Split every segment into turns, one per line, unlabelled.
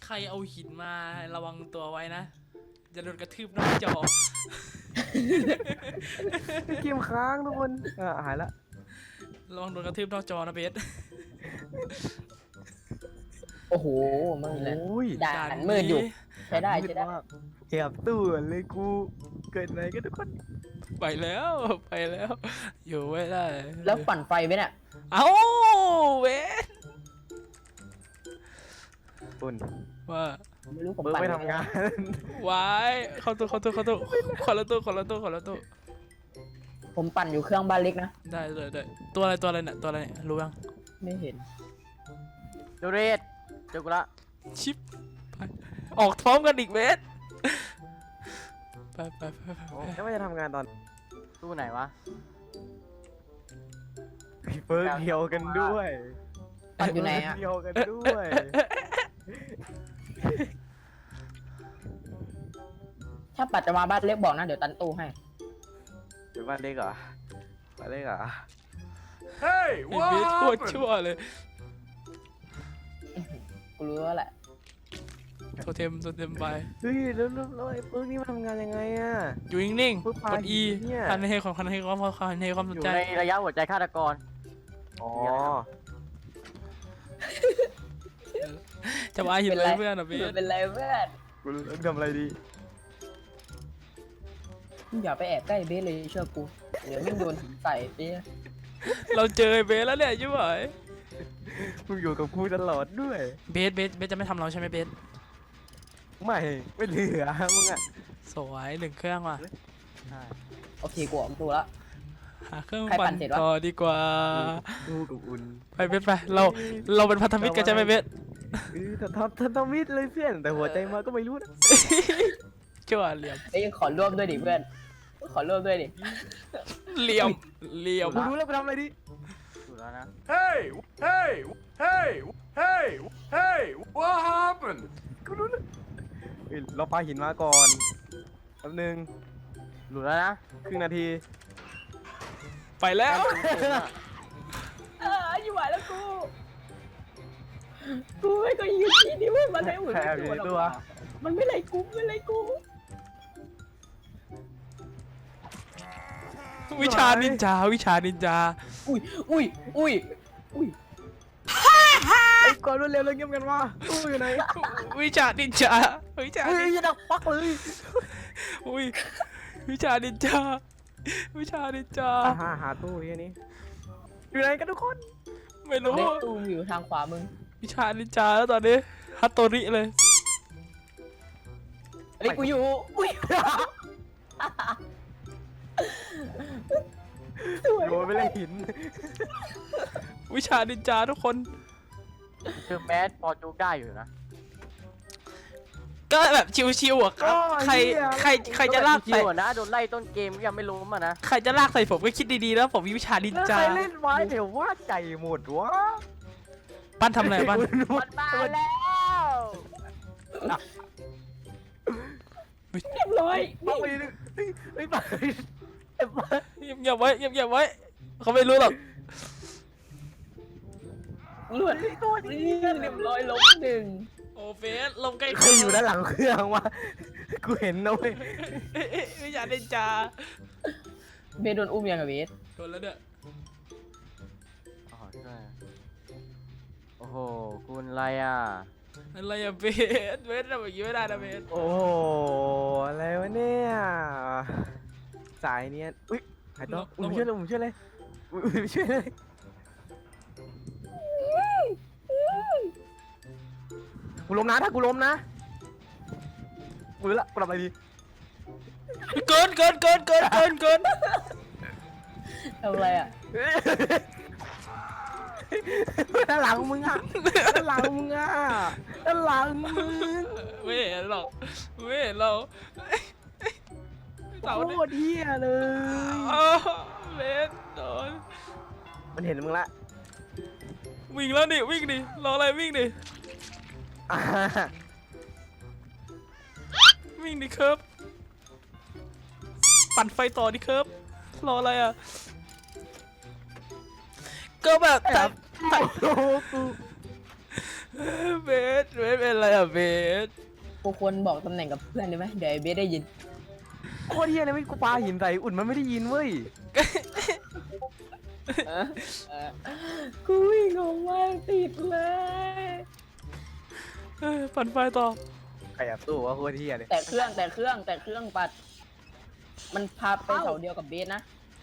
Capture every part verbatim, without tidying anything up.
ใครเอาหินมาระวังตัวไว้นะจะโดนกระทืบนอกจอ
เกมค้างทุกคนอ่าหายละ
ระวังโดนกระทืบนอกจอนะเบส
โอ้โหมึงเลย
โอ้ย
ด่านมืดอยู่ใช้ได้ใช้ได้
มากแอบตู้เลยกูเกิดอะไรกันทุกคน
ไปแล้วไปแล้ว อยู่ไม่ได้
แล้วปั่นไฟไหมเนี่ย
เอ้าเบส
ปุ่น
ว่า
ไม่รู้ผม
เบิร์
ปั่น
ไม่ทำงาน
วายเข้าตู้เข้าตู้เข้าตู้คนละตู้คนละตู้คนละตู้
ผมปั่นอยู่เครื่องบ้านเล็กนะ
ได้เลยได้ตัวอะไรตัวอะไรเนี่ยตัวอะไรเนี่ยรู้ยัง
ไม่เห็น
ดูเรศเจอกูละ
ชิปไปออกพร้อมกันอีกเบสไปไปไปไป
แล้วว่าจะทำงานตอน
ตู้ไหนวะ
เบิร์เดียวกันด้วย
ปั่นอยู่ไหนอ่ะ
เดียวกันด้วย
ถ้าปัดจะมาบ้านเล็กบอกนะเดี๋ยวตันตู้ให้
เดี๋ยวบ้านเล็กเหรอบ้านเล็กเหรอ
Hey
ไอ้เบสโคตรชั่วเลย
กูรู้แล้วแหละ
โทเทมโทเทมไป
เฮ้ยแล้วแล้วแล้วไอ้เบิร์นี่มันทำงานยังไงอ่ะ
อยู่นิ่ง
เพิ่ง
ๆ
ปาก
ด E
เนี่ย
พันให้ความพันให้ความพันให้ความส
อน ยู่
ใจ
ในระยะหัวใจฆาตกร
อ๋อ
จะมาหินเลยเพื่อนอ่ะเบส
เป็นไรเพื่อน
กูทำอะไรดี
มึงอย่าไปแอบใกล้เบสเลยเชื่อกูเดี๋ยวไม่โดนหินใส่เบส
เราเจอไอ้เบสแล้วเนี่ยยุ่ย
มึงอยู่กับกูตลอดด้วย
เบสเบสเบสจะไม่ทำเราใช่ไหมเบส
ไม่ไม่เหลือมึงอ่ะ
สวยหนึ่งเครื่องว่ะ
โอเคกูออกตู้ละ
หาเครื่อง
ใครปั่
ปั่น
นเสร็จวะ
ต่อดีกว่า
กูกับอุ่น
ไปเบสไปเราเราเป็นพันธมิตรกันใช่ไหมเบส
เออแต่ทำทำทำมิดเลยเพื่อนแต่หัวใจมาก็ไม่รู้นะ
ชั่วเหลี่ยม
เอ้ยขอร่วมด้วยดิเพื่อนขอร่วมด้วยดิ
เหลี่ยมเหลี่ยม
กูรู้แล้วไปทำอะไรดิ
อยู่แล้วนะ Hey Hey Hey Hey Hey What happened
กูรู้แล้วเอ้ยเราปาหินมาก่อนแป๊บนึง
หลุดแล้วนะ
ครึ่งนาที
ไปแล้ว
เอออยู่ไหวแล้วกูกูไม่ก็ยืนที่นี่เว้ยมันไม่หมุน
แพ้
ไม่
อยู่
ตัวหรอก
ในตัว
มันไม่ไรกูไม่ไรกู
วิชานินจาวิชานินจา
อุ้ยอุ้ยอุ้ยอุ้ย
ไอ้ก่อนรวดเร็วเลยเงียบกันว่าตู้อยู่ไหน
วิชานินจาวิชา
เฮ้ย
นิน
จะดักปักเลย
อุ้ยวิชานินจาวิชานินจา
อ่าหาหาตู้ที่นี้อยู่ไหนกันทุกคน
ไม่รู้
เล็กตูมอยู่ทางขวามึง
วิชานินจาแล้วตอนนี้ฮัตโตริเลย
เล็กกูอยู่อุ้ยสวย
โดนไปเลยหิน
วิชานินจาทุกคน
คือแมสพอจุกได้อยู่นะ
ก็แบบชิวๆอ่ะครับใครใครใครจะลาก
คิ
ใส่
วอะนะโดนไล่ต้นเกมยังไม่ล้มอ่ะนะ
ใครจะลากใส่ผมก็คิดดีๆแล้วผมมีวิชานิน
แล้ว
จา
ใครเล่นไว้เดี๋ยวว่าใจหมดวะ
ปั้นทำอะไรปั้น
มันมาแล้ว
เรียบร้อย
ปักไปดิเฮ้ยเฮ้ยปักไปดิเอ้ยปัก
เงียบๆไว้เงียบๆไว้เขาไม่รู้หรอก
เลือดตัวนี้เรียบร้อยลบหนึ่ง
โอเฟสลงใกล้
ใครอยู่ด้านหลังเครื่องวะกูเห็นนะเว้ย
วิชานินจา
เบสโดนอุ้มยังอะเบส
โดนแล้วเนี่ย
อ๋อช่วยโอ้โหคุณอะไรอ่ะ
อะไรอะเบสเบสทำแบบนี้ไม่ได้นะเบส
โอ้โหอะไรวะเนี่ยสายเนี้ยอุ้ยหายตัวอุ้ยช่วยเลยผมช่วยเลยอุ้ยช่วยเลยกูล้มนะถ้ากูล้มนะกูรู้ละกูทำอะไรดี
เกินเกินเกินเกินเกินเกิน
ทำอะไรอ่ะ
ด้านหลังมึงอ่ะด้านหลังมึงอ่ะด้านหลังมึง
ไม่เห็นหรอกไม่เห็นเราเสา
โค
เนี่ย
ตรเฮียเลย
อ้าวเบสโดน
มันเห็นมึงละ
วิ่งแล้วดิวิ่งดิรออะไรวิ่งดิ
อ่า
วิ่งดิเคิร์ฟปั่นไฟต่อดิเคิร์ฟรออะไรอ่ะก็แบบแต่แต่
โอ้โหกู
เบสเบสเป็นอะไรอ่ะเบส
กูควรบอกตำแหน่งกับเพื่อนได้ไหมเดี๋ยวไอ้เบสได้ยิน
โคตรเฮียเลยไม่กูปาหินใส่อุ่นมันไม่ได้ยินเว้ย
เออเออกูวิ่งออกมาติดเลย
เอ้ยปั่นไฟต่อ
ใครแอบตู้ว่าโคตรเฮียเลย
แต่เครื่องแต่เครื่องแต่เครื่องปัด มันพาไปเสาเดียวกับเบสนะ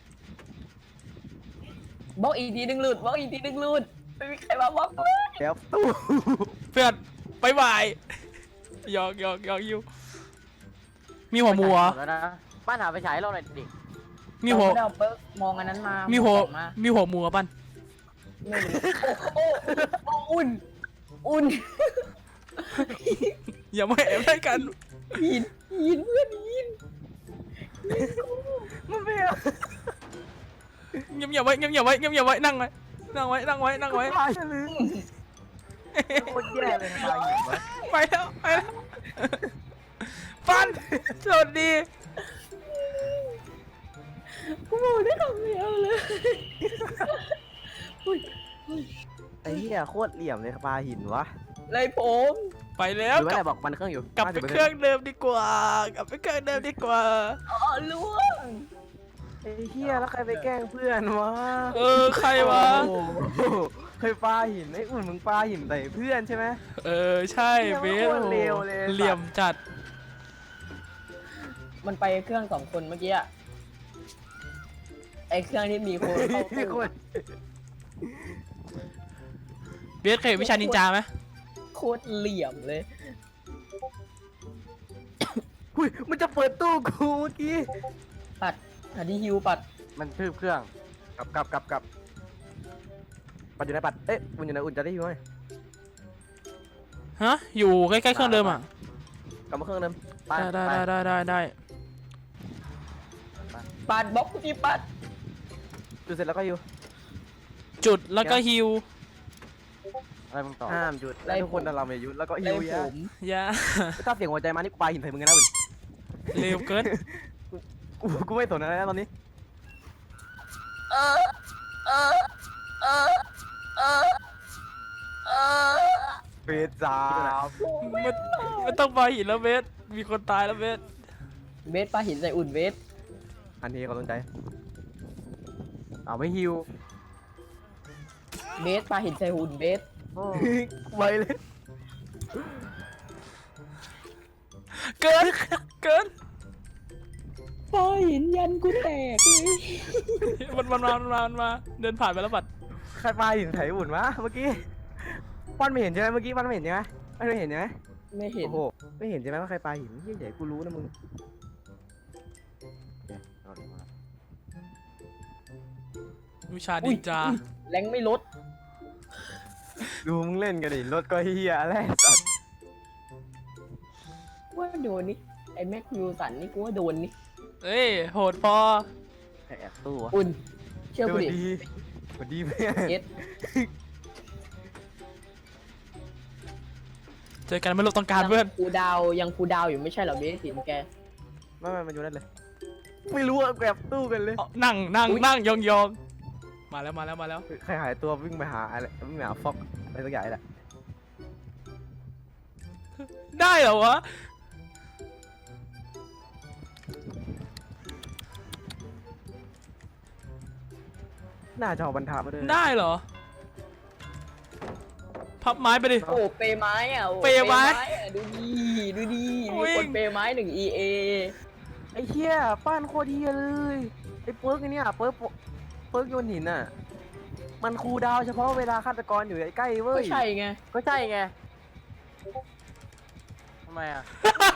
บอกอีกทีหนึ่งหลุดบอกอีกทีหนึ่งหลุดไม่มีใครมาบอกเลย
แอบตู้
เพื่อนบายบายหยอกหยอกหยอกอยู่มีหัวหมูเหรอ
แล้วนะบ้านหาไปฉายเราหน่อยดิ
มีหัว
เราไม่ได้เอาเปิร์กมองอันนั้นมา
มี
มี
หัวมีหัวหมูอ่ะปั้น
ไม่รู้โอ้โอ้โอ้อุ่นอุ่น
อย่ามาแอบได้กัน
ยินยินเพื่อนยิน
มันไม่เอา
เงียบเงียบไว้เงียบเงียบไว้เงียบเงียบไว้นั่งไว้นั่งไว้นั่งไว้นั่งไว้
ปาหินเลยโคตรแย่เลยนะปาหินวะ
ไปแล้วไปแล้วปั้นสวัสดี
กูบอกได้คำเดียวเลยอุ้ย
ไอ้เฮียโคตรเหลี่ยมเลยปาหินวะ
เลยผม
ไปแล้
ห
ว
รือว่าก
ลั
อะ
บ
ไรบอกมันเครื่องอยู่
กลับไปเครื่องเดิมดีกว่า กลับไปเครื่องเดิมดีกว่า
อ๋อล่วง
ไอ้เฮียแล้วใครไปแกล้งเพื่อนวะ
เออใครวะ
โอ้โหเคยปาหินไอ้อุ่นมึงปาหินใส่เพื่อนใช่ไหม
เออใช่
เหี้ย
เบ
มัน
ส
โคตรเลวเลย
เหลี่ยมจัด
มันไปเครื่องสองคนเมื่อกี้อะไอเครื่องที่มีคนเข้า
พี่
ตู้
คน
เบสเคยเห็นวิชานินจาไหม
โคตรเหลี่ยมเลย
อุ้ยมันจะเปิดตู้กูเมื่อกี้
ปัดหาที่ฮิวปัด
มันทืบเครื่อง
กลับกลับกลับกลับปัดอยู่ไหนปัดเอ๊ะอุ่นอยู่ไหนอุ่นจะได้อยู่ไหม
ฮะอยู่ใกล้ๆเครื่องเดิมอ่ะ
กลับมาเครื่องเดิม
ไป
ได้
ไป
ได้ได้ได้ได้
ปัดบล็อกกูที่ปัด
จุดเสร็จแล้วก็อยู่
จุดแล้วก็ฮิว
อะไรมึงต่อ
ห้ามจุดแล้วทุกคนเราไม่หยุดแล้วก็
เล
หิวย
ผ
ยาม
อย่า
ถ้าเสียงหัวใจมานี่กูปาหินใส่มึงกันนะอุ่น
เร็วเกิน
กูกูไม่สนอะไรแล้วตอนนี้
เออเออเออเออเออ
เฟสสาม
ไม่ไม่ต้องไปหินแล้วเบสมีคนตายแล้วเบส
เบสปลาหินใส่อุ่นเบส
อันนี้เขาสนใจเอาไม่หิว
เบสปลาหินใส่หุ่นเบส
ไวเลย
เกินเกิน
ปลาหินยันกูแตกเลย
มันมันมามันมามันมาเดินผ่านไปแล้วบัด
ใครปาหินใส่อุ่นวะเมื่อกี้ป้อนไม่เห็นใช่ไหมเมื่อกี้ป้อนไม่เห็นใช่ไหมป้อนไม่เห็นใช่ไหม
ไม่เห็น
โอ้โหไม่เห็นใช่ไหมว่าใครปาหินเหี้ยใหญ่กูรู้นะมึง
เอาดิมา
วิชานินจา
แรงไม่ลด
ดูมึงเล่นกันดิรถก็เฮียอะไรสัตว์
ว่าโดนนี่ไอ้แม็กยูสันนี่กูว่าโดนนี่
เอ้ยโหดพอ
ใครแอบตู้วะ
อุ่นเชื่อกูดิ
ดีสวัสดีเพื่อน
เจ็ด
เจอกันไม่รู้ต้องการเพื่อน
กูดาวยังกูดาวอยู่ไม่ใช่เหรอเบสหินแก
ไม่ไม่มันอยู่นั่นเลย ไม่รู้อะแอบตู้กันเลย
เอานั่งนั่งนั่งยองยองมาแล้วมาแล้วมาแล้ว
ใครหายตัววิ่งไปหาอะไรวิ่งไปหาฟอกอะไรสักอย่างแหละ
ได้เหรอวะ
น่าจะเอาบรรทัดมาด้วย
ได้เหรอ พับไม้ไปดิ
โอ้เปไม้อ่ะโอ้
เปไม้
อะดูดีดูดี
วิ่
มี
ง
คนเปไม้หนึ่ง อี เอ
ไอ้เหี้ยป้านโคตรเหี้ยเลยไอ้เปิร์กไอ้เนี่ยเปิร์กเปิร์กโยนหินอ่ะมันคูลดาวน์เฉพาะเวลาฆาตกรอยู่ใกล้ๆเว้
ก็
ย
ใช่ไง
ก็ใช่ไงทำไมอ่ะ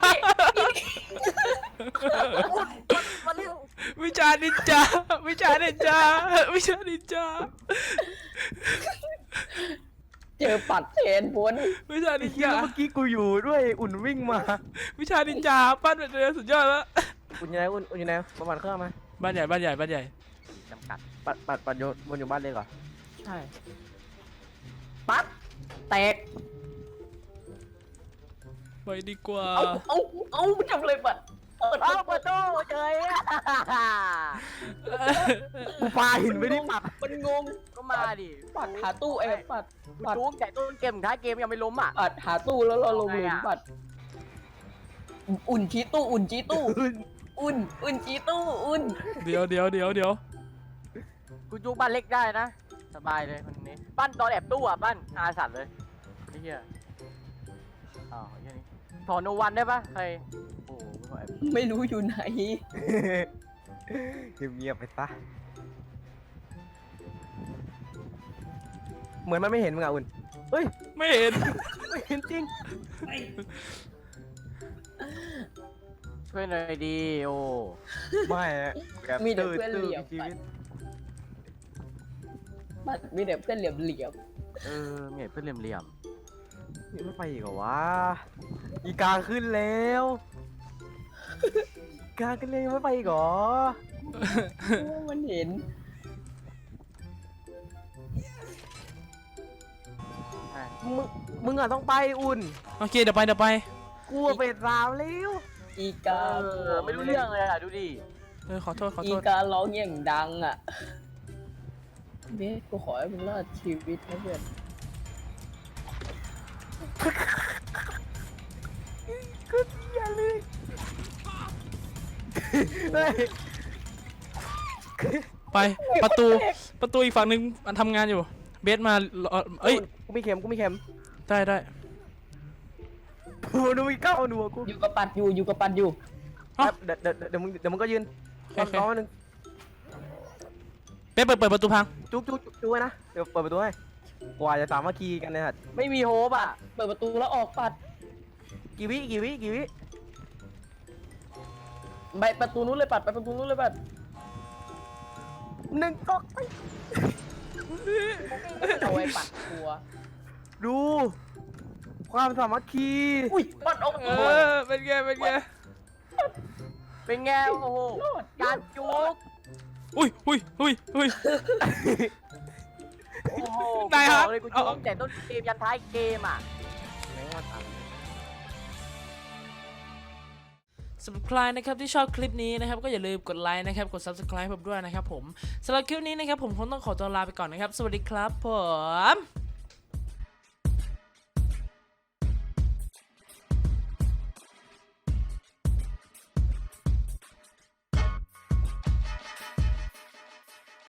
วิชานินจา วิชานินจา วิชานินจา
เจอปัดเทนพ้น
วิชา
ไอ้
นิน
เหี้ย
จา
แล้วเมื่อกี้กูอยู่ด้วยอุ่นวิ่งมา
วิชานินจา ปั้นเป็นเรือสุดยอดแล้ว
อุ่นอยู่ไหนอุ่นอุ่นอยู่ไหนประมาณเครื่องมา
บ้านใหญ่บ้านใหญ่บ้านใหญ่
จำกัด
ปัดปัดปัดโยนบนอยู่บ้านเลยเหรอ
ใช่ ปัดแตก
ไปดีกว่า
เอาเอาเอาทำเลยปัดเปิด
เอา
เอา
เปิดตู้เจย
กูปาหินไปดิปัด
มันงง
ก็มาดิ
ปัดหาตู้เอ้ยปัดปัด
จู๊กใหญ่ต้นเกมถึงท้ายเกมยังไม่ล้มอ่ะ
ปัดหาตู้แล้วเราลงหลุมปัด อุ่นชี้ตู้อุ่นชี้ตู้ อุ่นอุ่นชี้ตู้อุ่น
เดี๋ยวเดี๋ยวเดี๋ยวเดี๋ยว
กูจู๊กบ้านเล็กได้นะสบายเลยคนนี้บ้านตอนแอบตู้อ่ะบ้านอาสัตว์เลยไอ้เหี้ยอ้าวไอ้เหี้ยนี่ถอนโนวันได้ปะใครโอ้โหไม่ไหว
ไม่รู้อยู่ไหน
เงียบๆไปซะเหมือนมันไม่เห็นมึงอ่ะอุ่นเฮ้ย
ไม่เห็น
ไม่เห็นจริง
ช่วยหน่อยดีโอ้
ไม่อะแบบ
มีแต่เพื่อน
ตื้
เหลี่ยม
ชีวิต
ปัดมีแต่เพื่อนเหลี่ยมเหลี่ยม
เออเมียเพื่อนเหลี่ยม
นี่ไม่ไปอีกเหรอวะอีกาขึ้นแล้วอีกาขึ้นเลยยังไม่ไปอีกเหรอ
ๆมันเห็น
ๆอ่ะ
มึงมึงอ่ะต้องไปอุ่น
โอเคเดี๋ยวไปเดี๋ยวไป
กลัวเป็ดสาวแล้ว
อีกา
เออไม่รู้เรื่องเลยอ่ะดูดิ
เออขอโทษขอ
อี
โทษ
การ้องอย่างดังอ่ะเบสกูขอให้มึงรอดชีวิตนะเพื่อน
ก็อย่าเลยเฮ้ย
ไปประตูประตูอีกฝั่งหนึ่งมันทำงานอยู่เบสมารอเอ้ย
กูมีเข็มกูมีเข็ม
ได้ได้
กูดูมีเก้าหนูอะกู
อยู่กับปัดอยู่อยู่กับปัดอยู่
เอ้า
แป๊บเดี๋ยวเดี๋ยวเดี๋ยวมึงเดี๋ยวมึงก็ยืน
โอเค
รอหนึ่ง
เบสเปิดเปิดประตูพัง
จุ๊กจุ๊กจุ๊กจุ๊กไว้นะเดี๋ยวเปิดประตูให้กว่าจะสามัคคีกันเนี่ยฮะ
ไม่มีโฮปอ่ะ
เปิดประตูแล้วออกปัด
กี่วิกี่วิกี่วิ
ไปประตูนู้นเลยปัดไปประตูนู้นเลยปัด
หนึ่งก๊อก
เอาไว้ปัดกลัว
ดู ความสามัคคี
อุ้ยปัดออก
เออเป็นไงเป็นไง
เป็นไงโอ้โหการจุก
อุ้ยอุ้ยอุ้ยอุ้ย
โอ้โห
ได้ครับ
อกเลยกู
เอา
จุกแต่ต้นเกมยันท้ายเกมอ่ะ
สำหรับใครนะครับที่ชอบคลิปนี้นะครับก็อย่าลืมกดไลค์นะครับกด ซับสไครบ์ ผมด้วยนะครับผมสำหรับคลิปนี้นะครับผมคงต้องขอตัวลาไปก่อนนะครับสวัสดีครับผม